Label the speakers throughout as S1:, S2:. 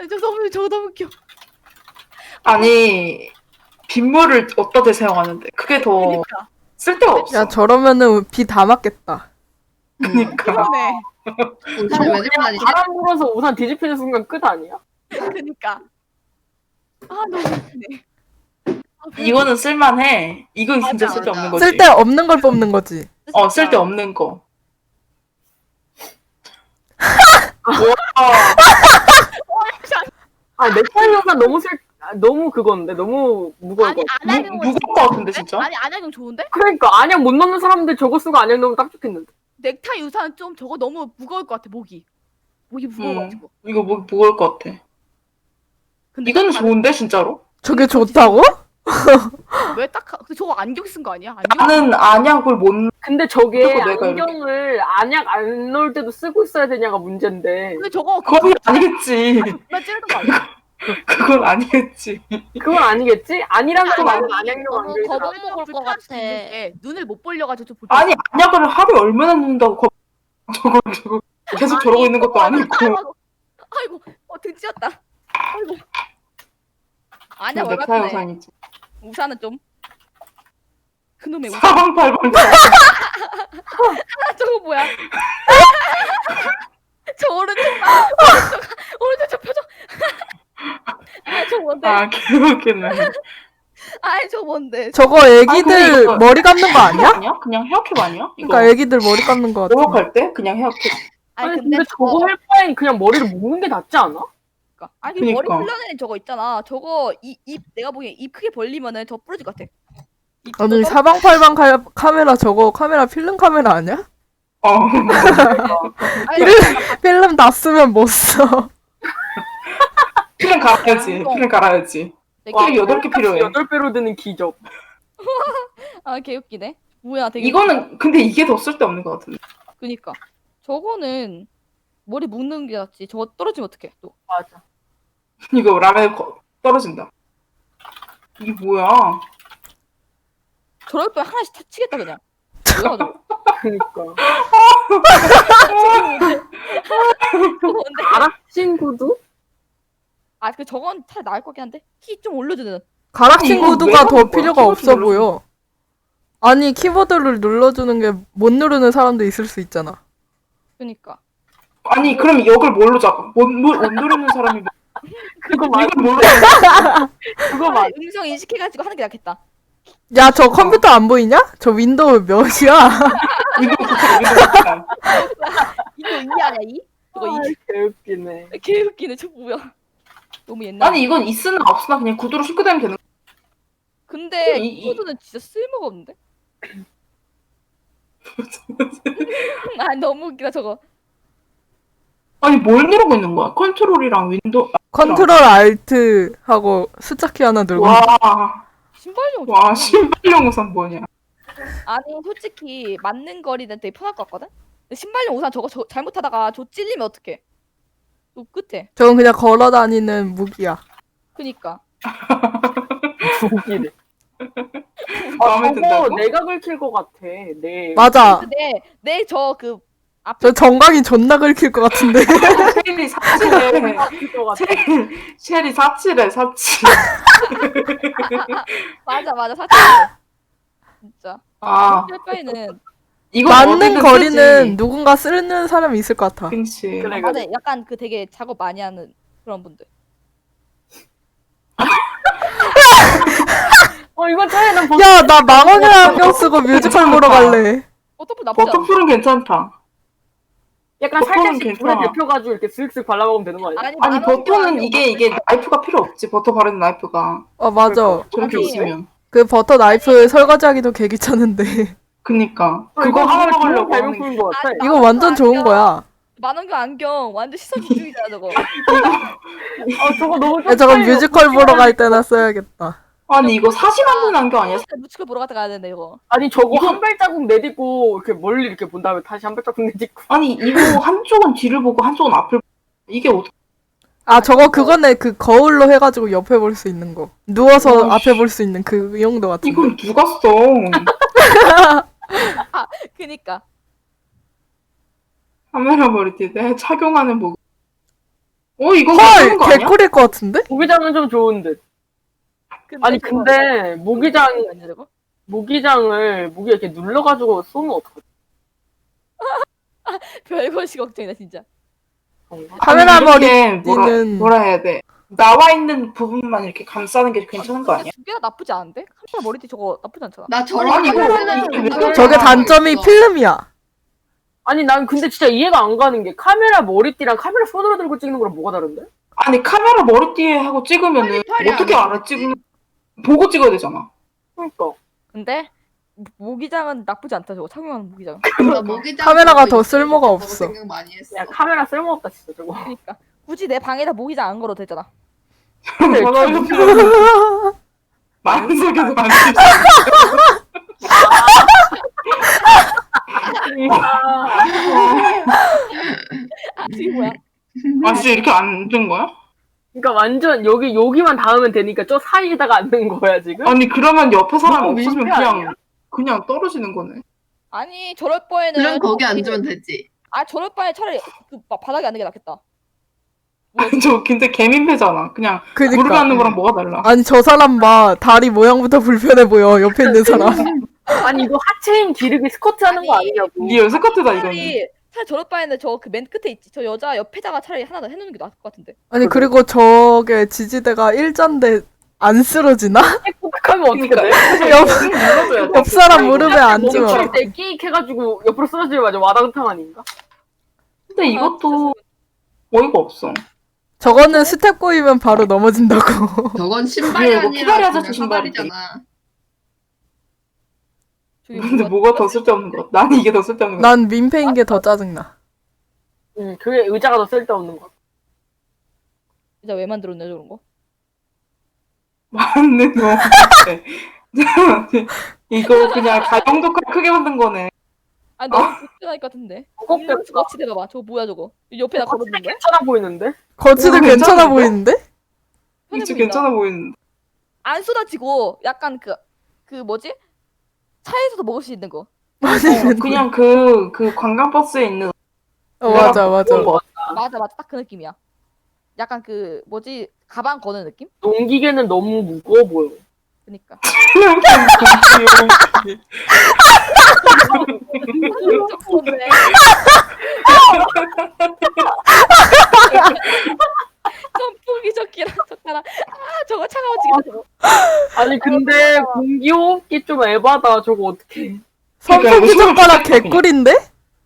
S1: 저거 너무 웃겨.
S2: 아니 빗물을 어디다 대사용하는데 그게 더
S1: 그니까.
S2: 쓸데가 없어.
S3: 야 저러면은 비 다 맞겠다.
S2: 그니까.
S1: 그러네.
S4: 우산을 왜 들고 다니지?
S5: 바람 불어서 우산 뒤집히는 순간 끝 아니야?
S1: 그니까. 아 너무 웃기네.
S2: 이거는 쓸만해. 이건 진짜
S1: 맞아,
S2: 쓸데없는
S4: 맞아.
S2: 거지.
S3: 쓸데 없는 걸 뽑는 거지.
S2: 쓸데없는 거.
S5: 아 넥타이 우산 너무 그건데 너무 무거울
S1: 아니
S5: 것 같아.
S1: 안약용
S2: 무거울 것 같은데, 진짜?
S1: 아니 안약용 좋은데?
S5: 그러니까 안약 못 넣는 사람들 저거 쓰고 안약 넣으면 딱 좋겠는데.
S1: 넥타이 우산 좀 저거 너무 무거울 것 같아 목이 무거워가지고.
S2: 이거 뭐 무거울 것 같아.
S1: 근데
S2: 이거는
S1: 딱
S2: 좋은데 진짜로?
S3: 저게 좋다고?
S1: 왜딱 저거 안경 쓴 거 아니야? 안경?
S2: 나는 안약을 못.
S5: 근데 저게
S2: 그리고 내가
S5: 안경을 안약 안 넣을 때도 쓰고 있어야 되냐가 문제인데.
S1: 근데 저거
S2: 그건 아니겠지.
S1: 나 찌르는 거 아니야?
S2: 그건 아니겠지.
S5: 그건 아니겠지? 아니라면
S1: 아니,
S5: 나는 안약용 안
S4: 너무
S5: 되잖아.
S4: 겁을 먹을 것
S1: 불편할 수
S4: 같아.
S1: 있는 게 눈을 못 벌려가지고 좀
S2: 아니 안약을 하루에 얼마나 넣는다고 저거 계속 저러고 있는 것도 아니고.
S1: 아이고 등 찢었다. 아이고. 아니야
S2: 넥타이
S1: 월같네.
S2: 우산이지.
S1: 우산은 좀 그놈의 우산.
S2: 사방팔방.
S1: 저거 뭐야? 저 오른쪽 저 표정. 저 뭔데?
S2: 개웃기네.
S1: 아이 저 뭔데?
S3: 저거
S2: 근데
S3: 애기들
S2: 이거-
S3: 머리 감는 거 아니야?
S2: 그냥 헤어캡 아니야? 이거
S3: 그러니까 애기들 머리 감는 거 같아.
S2: 목욕할 때 그냥 헤어캡.
S5: 아니 근데 저거 할 바엔 그냥 머리를 묶는 게 낫지 않아?
S1: 아니 그 머리
S2: 그니까.
S1: 흘러내린 저거 있잖아. 저거 입 내가 보기엔 입 크게 벌리면은 저 부러질 것 같아. 입
S3: 아니
S1: 저거
S3: 사방팔방 카메라 저거 카메라 필름 카메라 아니야?
S1: 아니,
S3: 필름 다 쓰면 못 써.
S2: 필름 갈아야지. 필름 갈아야지.
S1: 와,
S2: 필름 8개 필요해.
S5: 8배로 드는 기적.
S1: 아 개웃기네. 뭐야 되게
S2: 이거는 근데 이게 더 쓸데없는 것 같은데.
S1: 그니까 저거는 머리 묶는 게 낫지. 저거 떨어지면 어떡해 또.
S5: 맞아.
S2: 이거 라면 떨어진다. 이게 뭐야?
S1: 저럴 거 하나씩 다 치겠다 그냥. 그래가지고
S5: 그니까.
S1: 저거 뭔데?
S5: 가락신 구두?
S1: 아그 저건 차 나을 것 같긴 한데 키 좀 올려주는.
S3: 가락친
S2: 이거
S3: 구두가
S2: 왜
S3: 더
S2: 하는 거야?
S3: 필요가
S2: 키보드
S3: 없어
S2: 눌러서.
S3: 보여. 아니 키보드를 눌러주는 게 못 누르는 사람도 있을 수 있잖아.
S1: 그니까.
S2: 아니 그럼 이걸 뭘로 잡아? 못 누르는 사람이
S5: 그거
S2: 이걸
S5: 맞아.
S2: 뭘로
S5: 그거 맞아.
S1: 음성 인식해가지고 하는 게 낫겠다.
S3: 야 저 컴퓨터 안 보이냐? 저 윈도우 몇이야?
S2: 이거
S1: 이거 이 아니야 이? 저거 이
S5: 개웃기네.
S1: 개웃기네. 저 뭐야? 너무 옛날.
S2: 아니 이건 있으나 없으나 그냥 구두로 씻고 다니면 되는
S1: 근데
S2: 이-
S1: 이 코드는 진짜 쓸모가 없는데? 아 너무 웃기다 저거.
S2: 아니 뭘 누르고 있는 거야? 컨트롤이랑 윈도우.
S3: 컨트롤 알트 하고 숫자키 하나 들고.
S1: 신발용.
S2: 와 신발용 우산 뭐냐?
S1: 아니 솔직히 맞는 거리는 되게 편할 것 같거든? 근데 신발용 우산 저거 잘못하다가 저 찔리면 어떡해? 또 끝에.
S3: 저건 그냥 걸어 다니는 무기야.
S1: 그니까.
S5: 웃기네.
S2: 마음에
S5: 저거
S2: 든다고?
S5: 내가 긁힐 것 같아. 네.
S3: 맞아.
S1: 근데 내 저 그 앞에
S3: 저 정강이 존나 긁힐 것 같은데.
S2: 쉘이 사칠해.
S5: 긁힐 것 같아.
S2: 쉘이 사칠해 사칠.
S1: 맞아 사실 진짜.
S2: 아
S1: 할 바에는
S2: 이거
S3: 맞는 거리는 누군가 쓰는 사람이 있을 것 같아.
S2: 그렇지.
S5: 그래.
S1: 맞아 약간 그 되게 작업 많이 하는 그런 분들.
S5: 이거 쟤는
S3: 야 나 망원경 안경 쓰고 뮤지컬 보러 갈래.
S1: 어떻게 나쁘지 않아.
S2: 버터풀은 괜찮다.
S5: 약간
S2: 버터는
S5: 살짝씩 물에
S2: 괜찮아.
S5: 데펴가지고 이렇게 슥슥 발라먹으면 되는 거 아니야?
S2: 아니
S1: 만원경
S2: 버터는
S1: 안경
S2: 이게 나이프가 필요 없지. 버터 바르는 나이프가
S3: 맞아.
S2: 저렇게
S1: 아니,
S2: 있으면.
S3: 그 버터 나이프 설거지하기도 개 귀찮은데.
S2: 그니까
S5: 이거
S2: 그거 하나 먹으려고
S5: 잘
S2: 하는 게.
S5: 먹는 거 같아.
S1: 아니,
S3: 이거 완전 좋은 거야.
S1: 만원경 안경 완전 시선 집중이잖아 저거.
S5: 저거 너무
S3: 야, 저건 뮤지컬 보러 갈 때나 써야겠다.
S2: 아니 이거 사진 않는 안경 아니야?
S1: 뮤지컬 보러 갔다 가야 되는데 이거.
S5: 아니 저거
S2: 이거-
S5: 한 발자국 내딛고 이렇게 멀리 이렇게 본 다음에 다시 한 발자국 내딛고.
S2: 아니 이거 한쪽은 뒤를 보고 한쪽은 앞을 보고 이게 어떻게
S3: 아 저거 그거네. 그 거울로 해가지고 옆에 볼 수 있는 거. 누워서
S2: 어,
S3: 앞에 볼 수 있는 그 용도 같은데.
S2: 이걸 누가 써?
S1: 그니까.
S2: 카메라 머리띠에 착용하는 뭐 이건
S3: 헐
S2: 괜찮은 거 아니야?
S3: 개꿀일 것 같은데?
S5: 모기장은 좀 좋은 듯. 아니 근데 모기장
S1: 아니야 저거?
S5: 모기장을 모기 이렇게 눌러가지고 쏘면 어떡하지?
S1: 별것이 걱정이다 진짜.
S5: 그런가?
S3: 카메라
S2: 이렇게
S3: 머리띠는
S2: 뭐라 해야 돼? 나와 있는 부분만 이렇게 감싸는 게 괜찮은 거 아니야?
S1: 두 개가 나쁘지 않은데? 카메라 머리띠 저거 나쁘지 않잖아.
S4: 나 저런
S2: 아니,
S4: 거
S2: 이거
S4: 쓰는
S2: 이게 왜
S4: 생각을
S3: 저게
S4: 하고
S3: 단점이
S4: 있어.
S3: 필름이야.
S5: 아니 난 근데 진짜 이해가 안 가는 게 카메라 머리띠랑 카메라 손으로 들고 찍는 거랑 뭐가 다른데?
S2: 아니 카메라 머리띠에 하고 찍으면은
S4: 팔이
S2: 어떻게
S4: 안
S2: 알아? 찍는 보고 찍어야 되잖아.
S5: 그러니까
S1: 근데 모기장은 나쁘지 않다 저거 착용하는 모기장.
S4: 나 모기장
S3: 카메라가
S4: 보고
S3: 더
S4: 이거
S3: 쓸모가
S4: 저거
S3: 없어.
S4: 생각 많이 했어.
S5: 야 카메라 쓸모없다 진짜 저거.
S1: 그러니까 굳이 내 방에다 모기장 안 걸어도 되잖아.
S2: 마음속에서 만들
S1: 아 지금 뭐야?
S2: 아 진짜 이렇게 안 된 거야?
S5: 그러니까 완전 여기만 닿으면 되니까 저 사이에다가 앉는 거야 지금?
S2: 아니 그러면 옆에 사람
S5: 너무
S2: 없으면
S5: 민폐 아니야?
S2: 그냥 떨어지는 거네.
S1: 아니 저럴 바에는
S4: 그럼 거기 앉으면 되지.
S1: 아 저럴 바에 차라리 그 바닥에 앉는 게 낫겠다.
S2: 아니 저 근데 개민폐잖아. 그냥 무릎에
S3: 그니까
S2: 앉는 거랑 뭐가 달라?
S3: 아니 저 사람 봐 다리 모양부터 불편해 보여 옆에 있는 사람.
S5: 아니 이거 하체 힘 기르기 스쿼트 하는 거
S1: 아니,
S5: 아니냐고.
S2: 리얼 스커트다 이거는.
S1: 차라리 저럴 바에는 저 그 맨 끝에 있지. 저 여자 옆에다가 차라리 하나 더 해놓는 게 나을 것 같은데.
S3: 아니 그리고 저게 지지대가 일자인데 안 쓰러지나?
S5: 부탁하면 어떻게 돼?
S3: 옆,
S2: 눌러줘야 돼.
S3: 옆 사람 무릎에
S5: 몸이
S3: 앉으면
S5: 칠 때 끼익 해가지고 옆으로 쓰러지면 맞아 와당탕 아닌가?
S2: 근데 이것도 어이가 없어.
S3: 저거는 스텝 꼬이면 바로 넘어진다고.
S4: 저건 신발이
S2: 이거 피다리
S4: 아니라
S2: 아저씨
S4: 그냥
S2: 신발이지.
S4: 사발이잖아.
S1: 저기
S2: 근데 뭐가 더 쓸데없는 거 같아. 나는 이게 더 쓸데없는 거 같아.
S3: 난 민폐인 게 더 짜증나.
S5: 그게 의자가 더 쓸데없는 거.
S1: 진짜 왜 만들었냐 저런 거?
S2: 맞는 거 같아. 이거 그냥 가정도칼 크게 만든 거네.
S1: 아니 너무 불편할 것 같은데.
S5: 무겁게
S1: 일로 같이 대봐봐. 저거 뭐야 저거? 옆에다 걸어놓는 거야?
S5: 괜찮아 보이는데?
S3: 거치도
S2: 이거
S3: 괜찮아
S2: 괜찮은데?
S3: 보이는데?
S1: 편해
S2: 진짜
S1: 보인다.
S2: 괜찮아 보이는데.
S1: 안 쏟아지고 약간 그 뭐지? 차에서도 먹을 수 있는 거.
S2: 그냥 그 관광버스에 있는
S3: 맞아 맞아.
S2: 그런 거 같아.
S1: 맞아 딱 그 느낌이야. 약간 그 뭐지? 가방 거는 느낌?
S5: 농기계는 너무 무거워 보여.
S1: 그니까. 조금인데. 선풍기 조끼랑 젓가락. 아 저거 차가워지겠다 저거.
S5: 아니 근데 공기호흡기 좀 에바다. 저거 어떡해.
S3: 선풍기 젓가락 개꿀인데?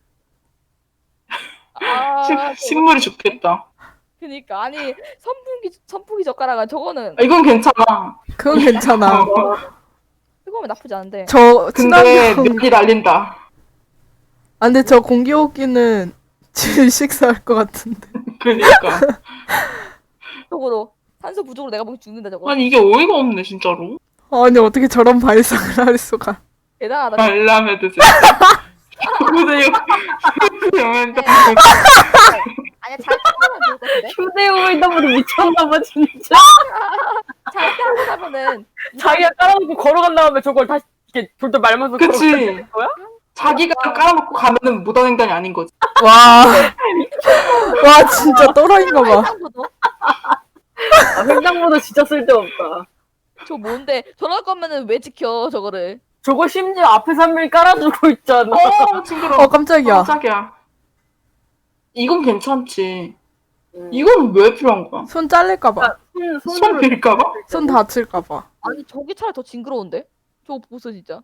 S1: 아
S2: 식물이 좋겠다.
S1: 그니까 아니 선풍기 젓가락은 저거는
S2: 이건 괜찮아.
S3: 그건 괜찮아.
S1: 뜨거우면 나쁘지 않은데.
S3: 저
S2: 근데
S3: 친환경.
S2: 면이 날린다.
S3: 아 근데 저 공기호흡기는 질식사할 것 같은데.
S2: 그러니까.
S1: 저거로 산소 부족으로 내가 보기 죽는다 저거.
S2: 아니 이게 어이가 없네 진짜로.
S3: 아니 어떻게 저런 발상을 할 수가.
S1: 대단하다.
S2: 알람에도 진짜. 근데 이거 영화인데
S1: 아니야 잘 타면 좋을 것 같은데.
S5: 휴대용이다보다 미쳤나봐 진짜.
S1: 잘 타면은
S5: 자기가 깔아놓고 걸어간 다음에 저걸 다시 이렇게 돌돌 말면서
S2: 그치.
S5: 걸어가는 거야?
S2: 자기가 깔아놓고 가면은 무단횡단이 아닌 거지.
S3: 와. 와 진짜 또라이인가 봐.
S1: 상상보도
S5: 아, 생각보다 진짜 쓸데없다.
S1: 저 뭔데 저럴 거면은 왜 지켜 저거를.
S5: 저거 심지어 앞에 3일 깔아주고 있잖아.
S2: 징그러워.
S3: 깜짝이야.
S2: 깜짝이야. 이건 괜찮지.
S5: 음.
S2: 이건 왜 필요한 거야?
S3: 손 잘릴까 봐.
S2: 손 빌까봐?
S3: 손 다칠까 봐.
S1: 아니 저기 차라리 더 징그러운데? 저거 보소 진짜.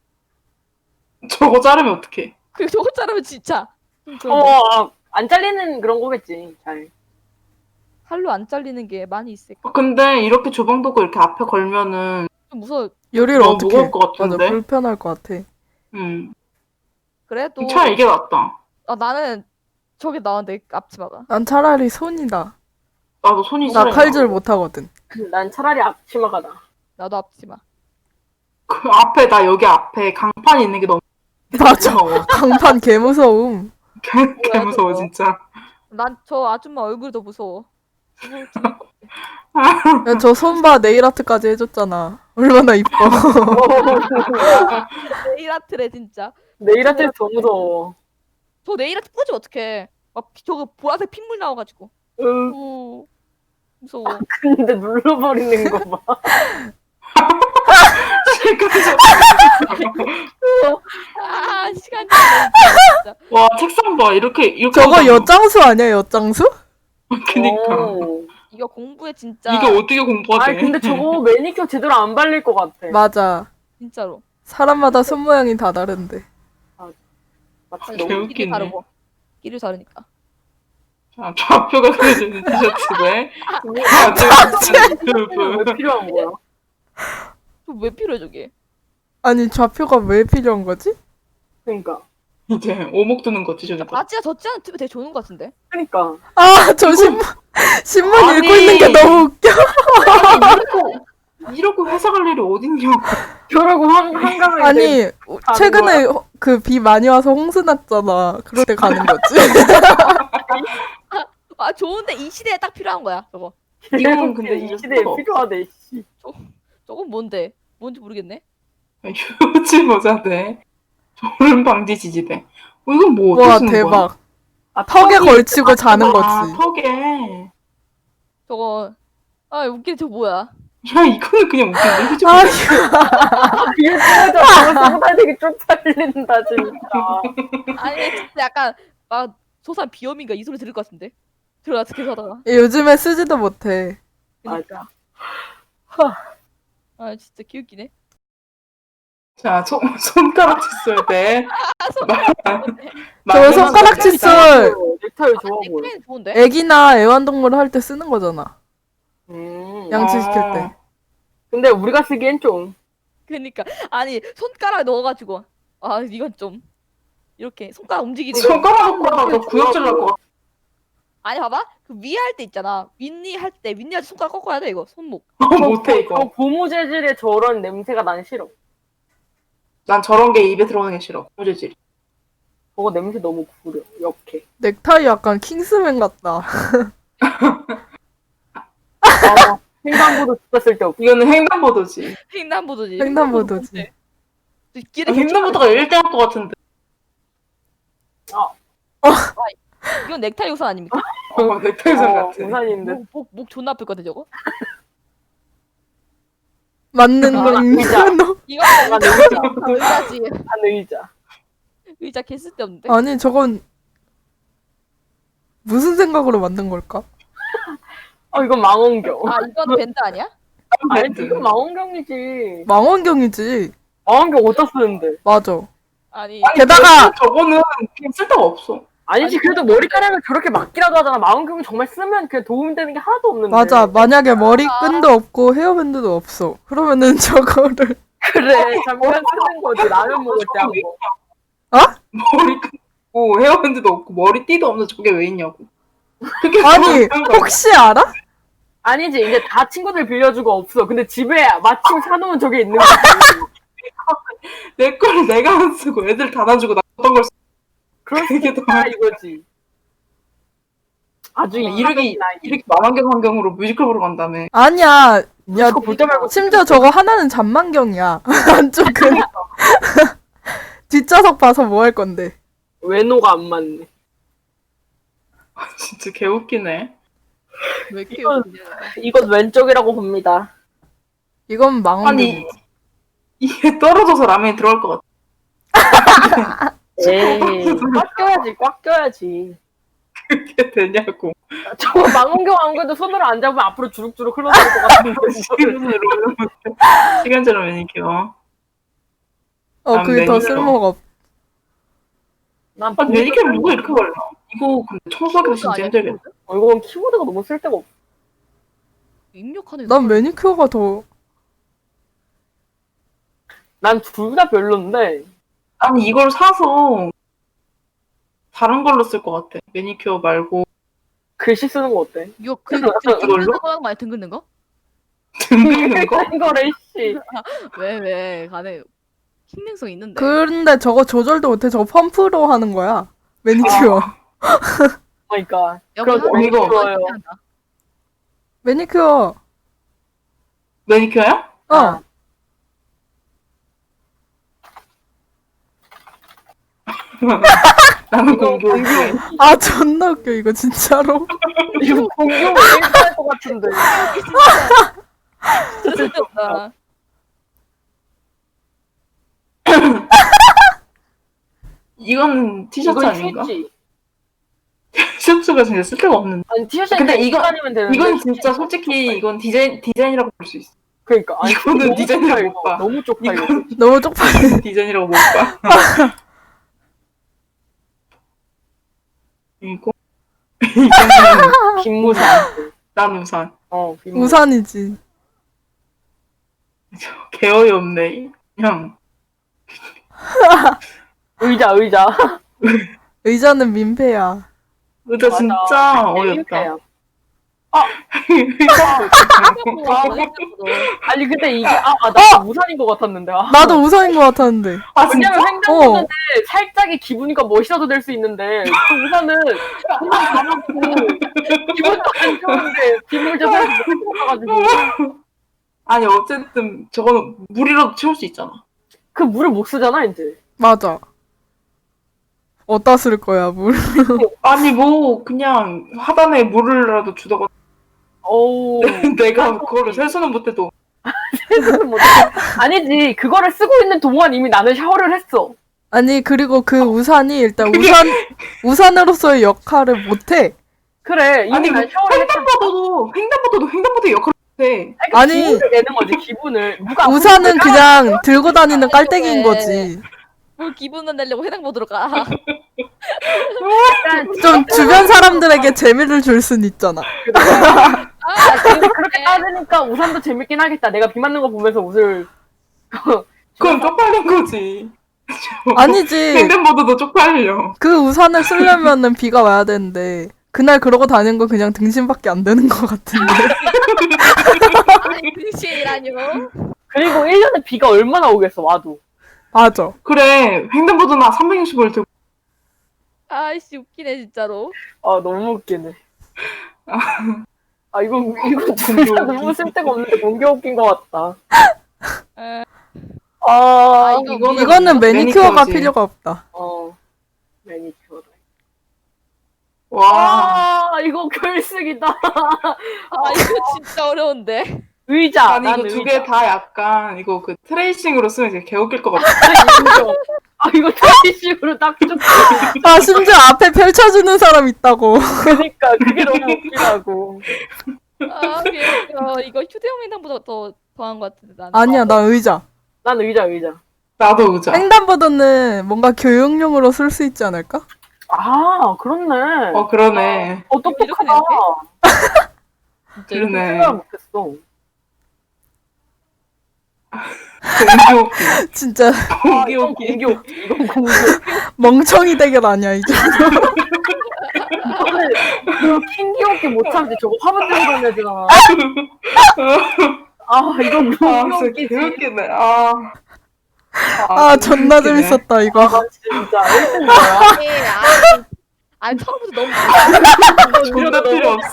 S2: 저거 자르면 어떡해?
S1: 저거 자르면 진짜. 좀 그런데.
S5: 안 잘리는 그런 거겠지. 잘.
S1: 칼로 안 잘리는 게 많이 있을까?
S2: 근데 이렇게 조방도구 이렇게 앞에 걸면은
S1: 좀 무서워.
S3: 요리를
S2: 너무
S3: 어떻게?
S2: 무거울 것 같은데?
S3: 맞아 불편할 것 같아.
S1: 그래도
S2: 차라리 이게 낫다.
S1: 나는 저게 나은데 앞치마가.
S3: 난 차라리 손이다.
S2: 나도 손이
S3: 나
S2: 시려.
S3: 칼질 못하거든.
S5: 난 차라리 앞치마가 나.
S1: 나도 앞치마.
S2: 그 앞에 나 여기 앞에 강판 있는 게 너무
S3: 맞아.
S2: 무서워.
S3: 강판 개 무서움.
S2: 개 무서워 진짜.
S1: 난 저 아줌마 얼굴이 더 무서워.
S3: 야, 저 손봐 네일 아트까지 해줬잖아. 얼마나 이뻐.
S1: 네일 아트래 진짜.
S5: 내일 아침에 더 무서워.
S1: 저 네일 아트 뿌리면 어떡해. 막 저거 보라색 핏물 나와가지고. 오, 무서워.
S5: 근데 눌러버리는 거 봐.
S1: 아, 시간이 진짜.
S2: 와 책상 봐 이렇게
S3: 저거
S2: 하잖아.
S3: 엿장수 아니야, 엿장수?
S2: 그니까
S5: 오.
S1: 이거 공부에 진짜
S2: 이게 어떻게 공부가 돼?
S5: 아니 근데 저거 매니큐어 제대로 안 발릴 것 같아.
S3: 맞아.
S1: 진짜로.
S3: 사람마다 손 모양이 다 다른데.
S5: 마치
S1: 아니,
S5: 너무
S2: 개웃기네.
S1: 길이 다르고. 길이 다르니까.
S2: 아, 좌표가 그려져 있는 티셔츠네.
S5: 왜 필요한 거야?
S1: 왜 필요해 저게?
S3: 아니, 좌표가 왜 필요한 거지?
S5: 그러니까.
S2: 이제 오목 드는 거 티셔츠.
S1: 바지가 젖지 않은 팁이 되게 좋은 것 같은데?
S5: 그러니까.
S3: 아, 저 신문
S2: 아니.
S3: 읽고 있는 게 너무 웃겨.
S2: 이러고 회사 갈 일이 어딨냐고.
S5: 저러고 한강을
S3: 아니,
S5: 가는
S3: 최근에 그 비 많이 와서 홍수 났잖아. 그럴 때 가는 거지.
S1: 아 좋은데 이 시대에 딱 필요한 거야 저거.
S2: 이건 근데
S5: 이
S2: 이럴
S5: 시대에
S2: 수가
S5: 필요하대. 씨.
S1: 저건 뭔데? 뭔지 모르겠네.
S2: 휴지 모자대. 졸음 방지 지지대. 이건 뭐 어떻게
S3: 와,
S2: 쓰는 거야?
S3: 대박.
S5: 아,
S3: 턱에
S5: 턱이-
S3: 걸치고 자는
S2: 아,
S3: 거지.
S2: 턱에.
S1: 저거 아 웃기네 저거 뭐야?
S2: 야 이거는 그냥 웃긴데 휴지
S3: 아,
S2: 모자.
S5: 이게 진짜 저거 쓰고 다니기 쪽팔린다 진짜.
S1: 아니 진짜 약간 막 소산 비염인가 이 소리 들을 것 같은데. 들어가 계속 하다가.
S3: 요즘에 쓰지도 못해.
S1: 그러니까. 아 진짜 귀엽기네.
S2: 자 손가락 칫솔 대.
S3: 저 손가락 칫솔
S5: 넥타이
S1: 아,
S5: 좋아 보여.
S1: 넥타이는 좋은데?
S3: 애기나 애완동물 할 때 쓰는 거잖아.
S5: 음.
S3: 양치시킬 때.
S5: 근데 우리가 쓰기엔 좀.
S1: 그러니까 아니 손가락 넣어가지고 아 이건 좀 이렇게 손가락 움직이는 거.
S2: 손가락 놓고 하다가 너 구역질 날 것 같아.
S1: 아니 봐봐 그 위에 할 때 있잖아. 윗니 할 때 윗니 할 때 손가락 꺾어야 돼 이거 손목.
S2: 못해
S5: 저
S2: 이거.
S5: 고무 재질의 저런 냄새가 난 싫어.
S2: 난 저런 게 입에 들어가는 게 싫어. 고재질.
S5: 저거 냄새 너무 구려. 역해.
S3: 넥타이 약간 킹스맨 같다.
S5: 아, 횡단보도 진짜 쓸데없어.
S2: 이거는 횡단보도지.
S1: 횡단보도지.
S3: 횡단보도지.
S1: 길에
S2: 횡단보도가 1대1 것 같은데.
S1: 이건 넥타이 우산 아닙니까?
S2: 넥타이선 같아.
S5: 우산인데.
S1: 목 존나 아플 것 같아 저거.
S3: 맞는
S5: 아,
S3: 거 있는
S5: 의자.
S3: 거.
S1: 이거
S5: 아,
S1: 의자지.
S5: 한 의자.
S1: 의자 개 쓸데없는데.
S3: 아니, 저건 무슨 생각으로 만든 걸까?
S5: 이건 망원경.
S1: 아 이건 밴드 아니야?
S5: 아니, 이건 망원경이지.
S3: 망원경이지.
S5: 망원경 어디다 쓰는데?
S3: 맞아.
S1: 아니
S3: 게다가
S2: 저거는 그냥 쓸데가 없어.
S5: 아니지, 그래도 머리카락을 저렇게 막기라도 하잖아. 망원경은 정말 쓰면 그냥 도움되는 게 하나도 없는데.
S3: 맞아. 만약에 머리끈도 없고 헤어밴드도 없어. 그러면은 저거를
S5: 그래, 잠깐 쓰는 거지. 라면 먹을 때 한 번.
S2: 머리 끊고 헤어밴드도 없고 머리띠도 없는 저게 왜 있냐고. 그게
S3: 아니,
S2: 뭐라는 거야.
S3: 혹시 알아?
S5: 아니지, 이제 다 친구들 빌려주고 없어. 근데 집에 마침 사놓은 저게 있는 거지.
S2: 내 거를 내가 안 쓰고 애들 다 놔주고 나 어떤 걸 쓰.
S5: 그럴 수
S2: 그게
S5: 있다, 이거지. 아주
S2: 이렇게 망원경으로 뮤지컬 보러 간다며.
S3: 아니야. 야,
S5: 볼 때 말고
S3: 심지어 저거 하나는 잔망경이야. 한쪽은. 뒷좌석 봐서 뭐 할 건데.
S5: 외노가 안 맞네.
S2: 진짜 개웃기네.
S1: 왜 이렇게
S5: 이건-
S1: 웃기냐.
S5: 이건 왼쪽이라고 봅니다.
S3: 이건 망원경.
S2: 아니 이게 떨어져서 라면이 들어갈 것 같아.
S5: 에이, 꽉 껴야지, 꽉 껴야지.
S2: 그게 되냐고.
S5: 저거 망원경 안 그래도 손으로 안 잡으면 앞으로 주룩주룩 흘러나올 것 같은데.
S2: 시간제로 매니큐어.
S3: 그게 더
S2: 매니큐어.
S3: 쓸모가 없.
S5: 난
S2: 아니 매니큐어를 누가 이렇게 발라? 이거 근데 청소하기도 진짜
S1: 아니야,
S2: 힘들겠다.
S5: 이건 키보드가 너무 쓸데가 없어.
S1: 입력하는
S3: 난 매니큐어가 더.
S5: 난 둘 다 별론데.
S2: 아니 이걸 사서 다른 걸로 쓸 것 같아. 매니큐어 말고
S5: 글씨 쓰는 거 어때?
S1: 이거 등
S2: 이걸로?
S1: 긋는 거 많이 등 긋는 거?
S2: 등 긁는 거?
S5: 큰 거래, 씨.
S1: 왜 간에 신빙성 있는데.
S3: 근데 저거 조절도 못해. 저거 펌프로 하는 거야. 매니큐어.
S5: 그러니까.
S1: 여기
S5: 그럼
S1: 하나
S2: 이거
S5: 좋아요.
S1: 괜찮다.
S3: 매니큐어.
S2: 매니큐어야?
S3: 어.
S2: 나는
S5: 이거
S2: 공교롭게.
S3: 아 존나 웃겨 이거 진짜로.
S5: 이거 공룡 얘기할 것 같은데.
S1: 진짜 쓸데없다.
S2: 이건 티셔츠
S5: 이건
S2: 아닌가?
S5: 휴지.
S2: 티셔츠가 진짜 쓸데가 없는데.
S5: 아니 티셔츠
S2: 근데
S5: 입고
S2: 이거-
S5: 다니면 되는데.
S2: 이건 진짜 솔직히 이건 디자인이라고 볼 수 있어.
S5: 그러니까 아니,
S2: 이거는
S5: 너무
S2: 디자인을
S5: 쪽팔려,
S2: 못 봐.
S5: 너무 쪽팔려.
S2: 이건
S3: 너무 쪽팔려.
S2: 디자인이라고 못 봐. 이거 이거는
S5: 빈무산.
S2: 난 우산.
S5: 빈무산.
S3: 우산이지.
S2: 개 어이없네. 그냥
S5: 의자.
S3: 의자는 민폐야.
S2: 의자 진짜
S5: 맞아.
S2: 어이없다.
S5: 민폐야.
S1: 아,
S5: 아니 근데 이게 나 우산인 것 같았는데.
S3: 나도 우산인 것 같았는데.
S2: 아 진짜?
S5: 왜냐면 횡단보도인데 살짝의 기분이니까 멋이라도 될 수 있는데 그 우산은 그냥 가볍고 기분도 안 좋은데 빗물져서 가지고
S2: 아니 어쨌든 저거는 물이라도 채울 수 있잖아.
S5: 그 물을 못 쓰잖아 이제.
S3: 맞아. 어디다 쓸 거야 물.
S2: 아니 뭐 그냥 하단에 물을라도 주다가
S5: 어우.
S2: 내가 그거를 세수는 못해도
S5: 아니지 그거를 쓰고 있는 동안 이미 나는 샤워를 했어.
S3: 아니 그리고 그 우산이 일단 우산으로서의 역할을 못해.
S5: 그래 이미
S2: 아니,
S5: 난 샤워를 했잖아.
S2: 횡단보도 역할을 해.
S5: 그러니까
S3: 아니,
S5: 기분을 내는 거지 기분을. 누가
S3: 우산은
S5: 아프니까
S3: 그냥 들고 다니는 깔때기인 거지.
S1: 뭘 기분을 내려고 해당보도로 가.
S5: 약간
S3: 좀 주변 사람들에게 재미를 줄 순 있잖아.
S1: 아,
S5: 근데 그렇게 따지니까 우산도 재밌긴 하겠다. 내가 비 맞는 거 보면서 웃을.
S2: 그건 쪽팔린 거지.
S3: 아니지.
S2: 횡단보도도 쪽팔려.
S3: 그 우산을 쓰려면은 비가 와야 되는데 그날 그러고 다니는 거 그냥 등신밖에 안 되는 것 같은데.
S1: 아니 근시이라뇨.
S5: 그리고 1년에 비가 얼마나 오겠어 와도.
S3: 맞아.
S2: 그래 횡단보도나 365일 들고
S1: 아이씨 웃기네 진짜로.
S5: 아 너무 웃기네. 이거 진짜
S2: 공교
S5: 너무 쓸데가 없는데 공교 웃긴 것 같다.
S1: 에,
S2: 이거는
S3: 이거는 매니큐어가
S2: 매니큐어지.
S3: 필요가 없다.
S5: 매니큐어다.
S2: 와
S5: 이거 결승이다.
S1: 아 이거 진짜 어려운데.
S5: 의자.
S2: 아니 이거 두 개 다 약간 이거 그 트레이싱으로 쓰면 되게 개웃길 것 같아.
S5: 이거 트레이싱으로 딱 좋다.
S3: 아 심지어 앞에 펼쳐주는 사람 있다고.
S5: 그니까 그게 너무 웃기다고.
S1: 아 이거 휴대용 횡단보다 더 더한 것 같은데 나는.
S3: 아니야 나 의자.
S5: 난 의자.
S2: 나도 의자.
S3: 횡단보도는 뭔가 교육용으로 쓸 수 있지 않을까?
S5: 그렇네.
S2: 그러네.
S5: 똑똑하다.
S1: 진짜
S2: 그러네.
S5: 생각 못했어.
S2: 공교
S3: 진짜
S5: 이건 공교. 이건 공교.
S3: 멍청이 대결 아니야 이제.
S5: 이거 킹기없게 못 참지. 저거 화분 들고 다녀야 이건
S2: 아
S5: 너무
S2: 진짜
S5: 웃기지.
S2: 개웃기네.
S3: 아 존나
S2: 웃기네.
S3: 재밌었다 이거.
S5: 진짜 1등 거야.
S1: 아니 처음부터 너무
S2: 존나 필요 없어.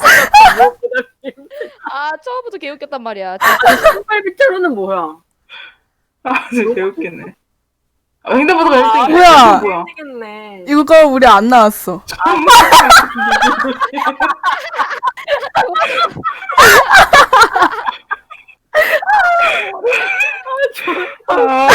S1: 처음부터 개웃겼단 말이야. 진짜.
S5: 신발 밑으로는 뭐야?
S2: 진짜 개웃기네. 횡단보도가 1등이야.
S3: 뭐야?
S2: 뭐야?
S5: 되겠네.
S3: 이거 우리 안 나왔어.
S2: 아,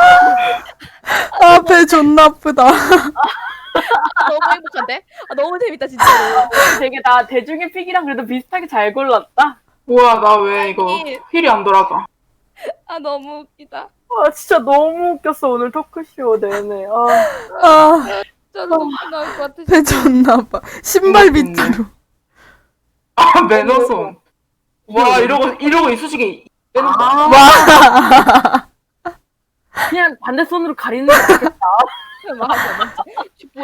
S3: 아 배 존나 아프다.
S1: 너무 행복한데? 너무 재밌다 진짜로.
S5: 되게 나 대중의 픽이랑 그래도 비슷하게 잘 골랐다.
S2: 뭐야 나 왜 이거 휠이 안 돌아가?
S1: 너무 웃기다.
S5: 진짜 너무 웃겼어 오늘 토크쇼 내내.
S3: 아
S1: 진짜 너무 나올 것 같아.
S3: 배 존나 아파. 신발 밑으로.
S2: 매너손. 와 이러고 이쑤시개 빼는 거.
S3: 와.
S5: 그냥 반대 손으로 가리는 게 좋겠다.
S1: 맞아. 뭐야?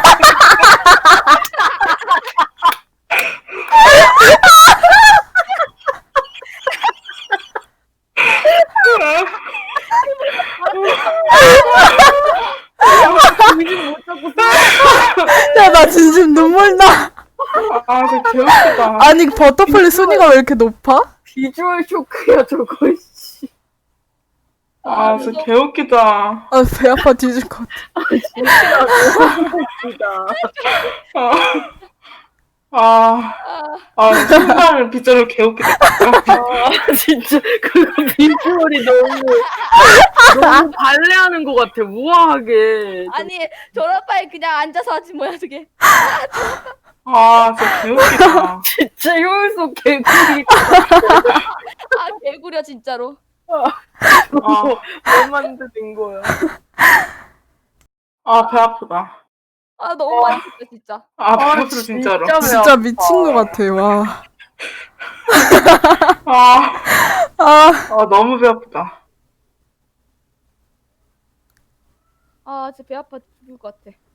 S5: 정신 못 잡고
S3: 야 나 진심 눈물 나.
S2: 진짜 개웃기다.
S3: 아니 버터플리 순위가 왜 이렇게 높아?
S5: 비주얼 쇼크야 저거. 씨.
S2: 아, 진짜 개웃기다.
S3: 아, 배 아파 뒤질 것 같아.
S5: 진짜.
S2: 아, 신발 빗자루 개웃기다.
S5: 아, 진짜 그거 비주얼이 너무 발레하는 것 같아. 우아하게.
S1: 아니 졸업할 그냥 앉아서 하지 뭐야 저게.
S2: 아, 진짜 개웃기다.
S5: 진짜 효율성 개구리.
S1: 아 개구려 진짜로.
S5: 뭐 만드는 거야.
S2: 아, 배 아프다.
S1: 아 너무 많이 했다 진짜.
S2: 아, 배 아프다, 진짜로.
S3: 진짜 미친 것 같아, 와.
S2: 아,
S3: 아,
S2: 너무 배 아프다.
S1: 아 진짜 배 아파 죽을 것 같아.